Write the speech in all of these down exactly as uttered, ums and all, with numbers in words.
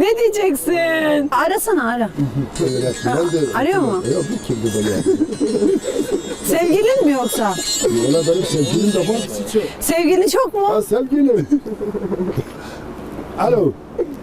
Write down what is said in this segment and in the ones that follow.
Ne diyeceksin? Arasana ara. Öğretmen de... Arıyor mu? Yok bu kimdi böyle? Sevgilin mi yoksa? Valla benim sevgilim de var. Sevgilin çok mu? Ha sevgilim. Alo.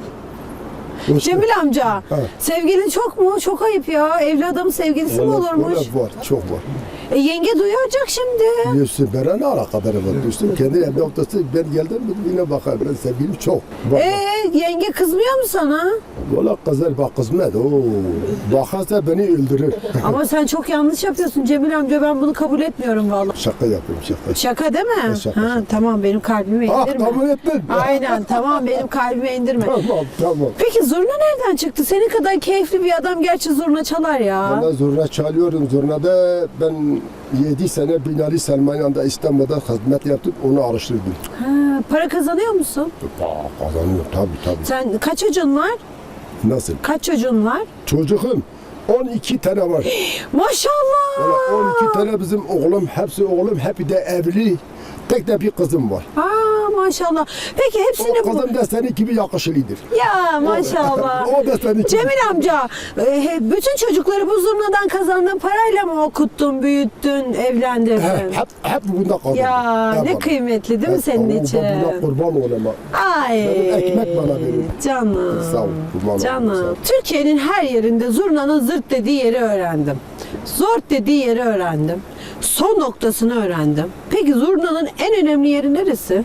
Cemil amca, Ha. sevgilin çok mu? Çok ayıp ya. Evli adamın sevgilisi mi Valla- olurmuş? valla var, çok var. E, yenge duyacak şimdi. Diyorsun bana ne alakaları var diyorsun. Kendi evde ortası ben geldim yine bakar ben sevgilim çok. Bak, E yenge kızmıyor mu sana? Valla kızar bak kızmaz. Oo. Bakarsa beni öldürür. Ama sen çok yanlış yapıyorsun Cemil amca. Ben bunu kabul etmiyorum vallahi. Şaka yapıyorum şaka. Şaka değil mi? Şaka, ha, şaka. tamam benim kalbime Ah indirme. kabul ettin. Aynen tamam benim kalbime indirme. Tamam tamam. Peki zurna nereden çıktı? Senin kadar keyifli bir adam gerçi zurna çalar ya. Bana zurna çalıyorum. Zurnada ben yedi sene Binali Selmaniye'de İstanbul'da hizmet yaptım. Onu araştırdım. Ha, para kazanıyor musun? Aa, kazanıyor tabii tabii. Sen kaç çocuğun var? Nasıl? Kaç çocuğun var? Çocuğum on iki tane var. Maşallah. Valla on iki tane bizim oğlum, hepsi oğlum, hep de evli. Tek de bir kızım var. Aa maşallah. Peki hepsini O bu... kızım da senin gibi yakışılıdır. Ya maşallah. O da senin gibi. Cemil amca, e, bütün çocukları bu zurnadan kazandığın parayla mı okuttun, büyüttün, evlendirdin? He, hep, hep bunda kaldım. Ya Hep ne kaldım. kıymetli değil mi Hep senin kaldım. için? Buna kurban olayım. Ay. Benim ekmek bana verin. Canım. Sağ ol, kurban olayım, sağ Canım. ol. Türkiye'nin her yerinde zurnanın zırt dediği yeri öğrendim. Zort dediği yeri öğrendim. Son noktasını öğrendim. Peki zurnanın en önemli yeri neresi?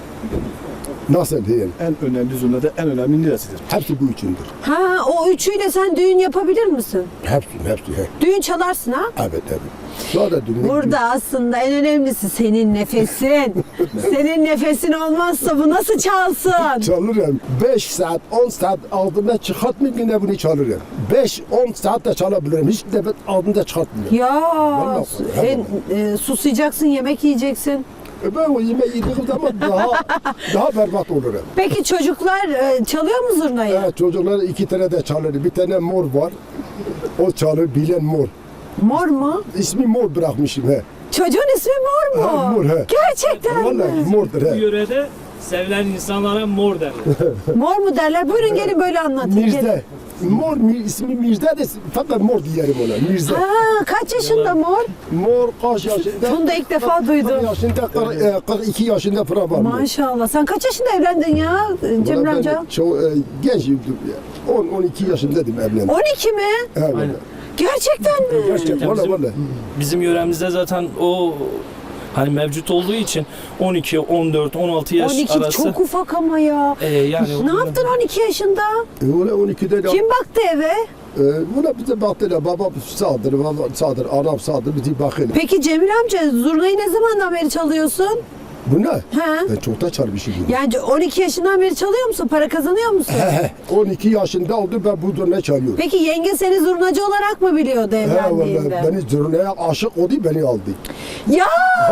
Nasıl değil? En önemli zurnada en önemli neresidir? Hepsi bu içindir. Ha o üçüyle sen düğün yapabilir misin? Hepsi, hepsi. He. Düğün çalarsın ha? Evet, evet. Daha da dünya. Burada aslında en önemlisi senin nefesin. Senin nefesin olmazsa bu nasıl çalsın? Çalırım. beş saat, on saat altında çıkartmayıp yine bunu çalırım. beş on saat de çalabilirim. Hiç de altında çıkartmıyorum. Ya Vallahi, su- he en, e, susayacaksın, yemek yiyeceksin. E ben o yemeği yediğim zaman daha daha berbat olurum. Peki çocuklar e, çalıyor mu zurnayı? Evet, çocuklar iki tane de çalır. Bir tane mor var. O çalır, bilen mor. Mor mu? İsmi mor bırakmışım he. Çocuğun ismi Mor mu? Ha, mor, he. Gerçekten Vallahi mi? mordur Bu he. yörede sevilen insanlara mor derler. Mor mu derler? Buyurun gelin böyle anlatın. Gelin. Mirza. Mor mi, ismi Mirza de fakat mor diyelim ona. Mirza. Ha, kaç yaşında Mor? Mor kaç yaşında? Bunu da ilk defa duydum. kırk yaşında, kırk- e, kırk iki yaşında falan var. Maşallah. Sen kaç yaşında evlendin ya Cemil Valla ben amca? Çok e, gençim. on on iki yaşındaydım evlendim. on iki mi? Evet. Aynen. Gerçekten mi? Gerçekten Valla bizim, valla. bizim yöremizde zaten o hani mevcut olduğu için on iki, on dört, on altı yaş on iki arası. çok ufak ama ya. e, yani Ne yaptın on iki yaşında? E, valla on ikide de. Kim baktı eve? E, valla bize baktılar. Baba sağdır, baba sağdır, anam sağdır. Bizi bakın. Peki Cemil amca zurnayı ne zamandan beri çalıyorsun? Bu ne? He? Ben çok da çarpışım bunu. Yani on iki yaşından beri çalıyor musun? Para kazanıyor musun? on iki yaşında oldu ben bu zurnayı çalıyorum. Peki yenge seni zurnacı olarak mı biliyordu He valla evlendiğinde? beni zurnaya aşık oldu beni aldı. Ya!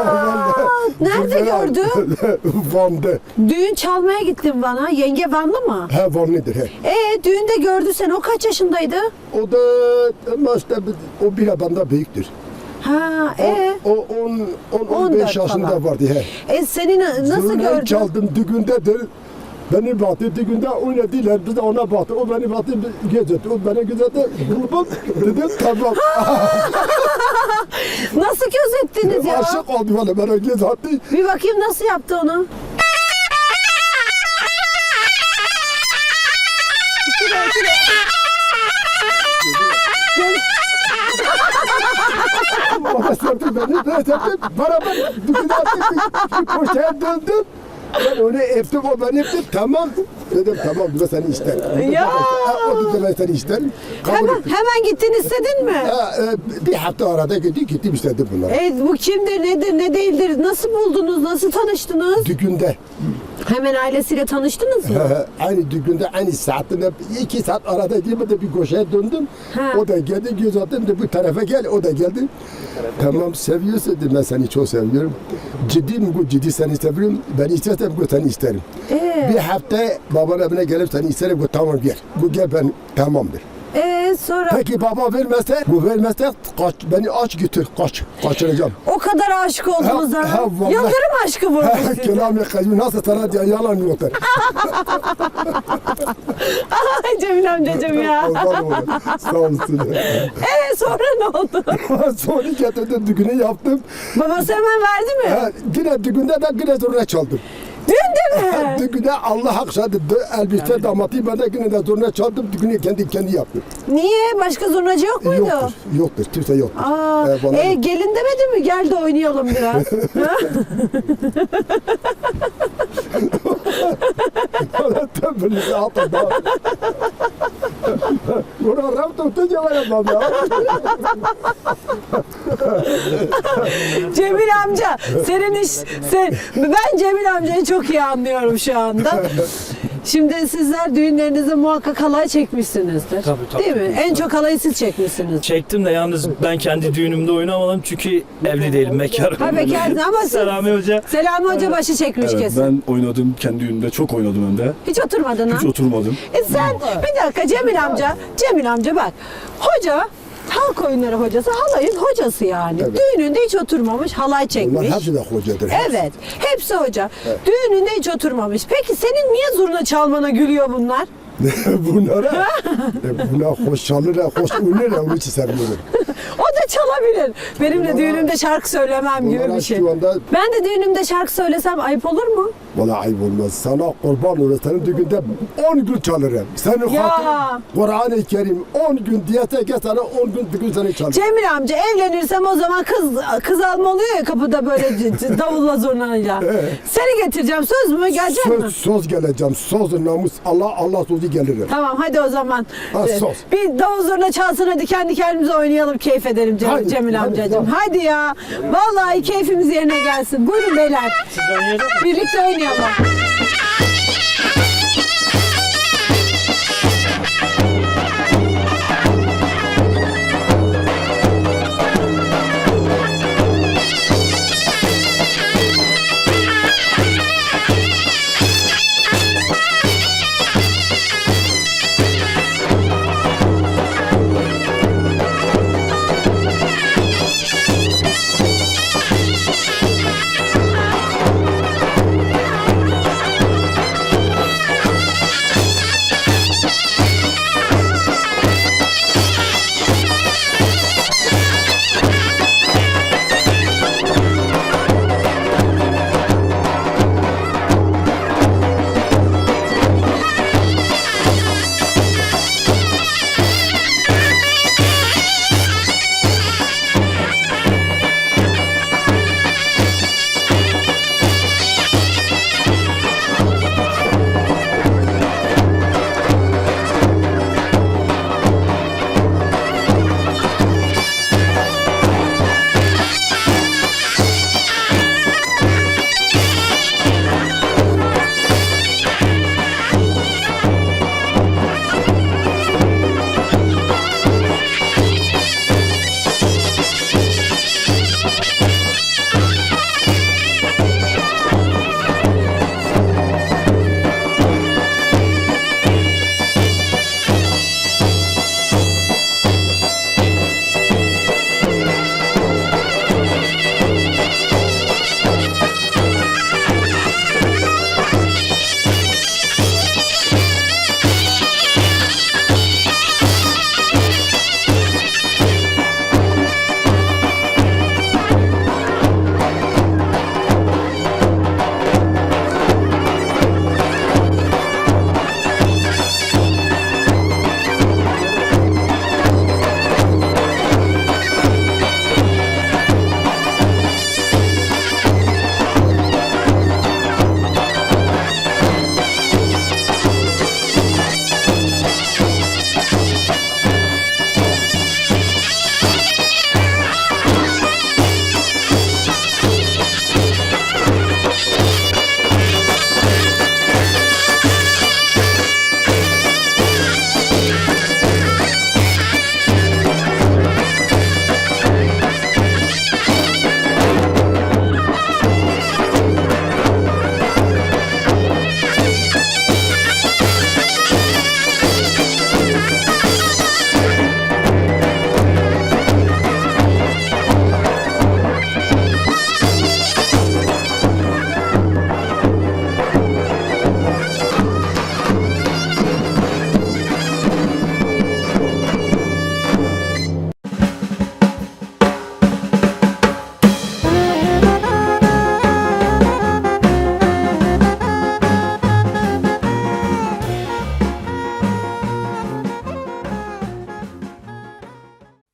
Nerede Zurnaya gördün? aldı. Van'da. Düğün çalmaya gittin bana. Yenge Vanlı mı? He Vanlıdır he. E düğünde gördü seni. O kaç yaşındaydı? O da ama işte o bile benden büyüktür. Ha, e O on on on on dört beş yaşında falan. vardı he. E seni na- nasıl Zurnayı gördü? çaldım düğündedir. Beni baktı düğünde oynadılar. Biz de ona baktı. O beni baktı gözetti. O beni gözetti. Grubu dedim tamam. Nasıl gözettiniz ya? Aşık oldu bana bana gözetti. Bir bakayım nasıl yaptı onu? Bana sevdi beni. Ben sevdim. Beraber düğüne attık. Bir koşaya döndüm. Ben onu öptüm, o beni öptü. Tamam. Dedim tamam, ben seni isterim. Ya! O dedi ben seni isterim. Kabul Hemen, ettim. hemen gittin istedin mi? Ha, e, bir hafta arada gitti, gittim istedim bunları. E bu kimdir, nedir, ne değildir? Nasıl buldunuz, nasıl tanıştınız? Düğünde. Hemen ailesiyle tanıştınız mı? aynı düğünde, aynı saatinde, iki saat arada girmedi bir koşuya döndüm. Ha. O da geldi, göz attım da bu tarafa gel, o da geldi. Tamam, seviyorsun dedim, ben seni çok seviyorum. Ciddi mi bu, ciddi seni seviyorum. Ben istersem bu seni isterim. Ee? Bir hafta babanın evine gelip seni isterim, bu tamam gel. Bu gel ben tamamdır. E sonra Peki baba vermezse, bu vermezse kaç, beni aç götür, kaç, kaçıracağım. o kadar aşık oldunuz Ha, ha. ha, vallahi. Yıldırım aşkı vurdu sizi. Kelam-ı kacmi nasıl sana diye yalan yoktur. Ay Cemil amcacığım ya. Kurban olayım. Sağ olsun. Ee sonra ne oldu? Sonra getirdim, düğünü yaptım. Babası hemen verdi mi? Ha, yine düğünde de yine zurna çaldım. Düğünde mi? Düğünde Allah akşadı elbise damatı ben de yine de zurna çaldım. Düğünü kendi kendi yaptım. Niye? Başka zurnacı yok muydu? Yoktur, yoktur, kimse yoktur. Aa, Ee, bana- e, gelin demedi mi? Gel de oynayalım biraz. Ha? Bana tembelisi altında. Buna rap tutunca var yapmam ya. Cemil amca, senin iş, sen, ben Cemil amcayı çok iyi anlıyorum şu anda. Şimdi sizler düğünlerinizde muhakkak halay çekmişsinizdir. Tabii, tabii. Değil mi? En çok halayı siz çekmişsiniz. Çektim de yalnız ben kendi düğünümde oynamadım çünkü evli değilim, bekarım. Ha bekarsın ama siz... Selami Hoca. Selami Hoca başı çekmiş Evet, kesin. ben oynadım kendi düğünümde, çok oynadım hem de. Hiç oturmadın ha? Hiç oturmadım. E sen bir dakika Cemil amca, Cemil amca bak. Hoca, halk oyunları hocası, halayın hocası yani. Evet. Düğününde hiç oturmamış, halay çekmiş. Bunlar hepsi de hocadır. Evet, hepsi hoca. Düğününde hiç oturmamış. Peki senin niye zurna çalmana gülüyor bunlar? Bunlara, e, buna hoş çalır, hoş oynar ya, onun için seviyorum. O da çalabilir. Benim de düğünümde şarkı söylemem gibi Bunlara bir şey. şu anda, Ben de düğünümde şarkı söylesem ayıp olur mu? valla ayıp olmaz. Sana kurban olur, senin düğünde on gün çalırım. Senin Ya. hatırın, Kur'an-ı Kerim on gün diyese ki sana on gün düğün seni çalır. Cemil amca evlenirsem o zaman kız kız alma oluyor ya kapıda böyle c- c- davulla zurnayla. Seni getireceğim, söz mü? Gelecek mi? Söz, söz geleceğim, söz namus, Allah, Allah sözü gelirim. Tamam hadi o zaman. Ha, Ee, sos. Bir davul zurna çalsın hadi kendi kendimize oynayalım, keyif edelim Cem- Hadi, Cemil hadi, amcacığım. hadi. Hadi ya. Vallahi keyfimiz yerine gelsin. Buyurun beyler. Siz oynayacak mısınız? Birlikte oynayalım.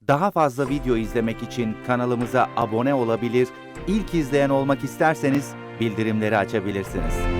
Daha fazla video izlemek için kanalımıza abone olabilir, ilk izleyen olmak isterseniz bildirimleri açabilirsiniz.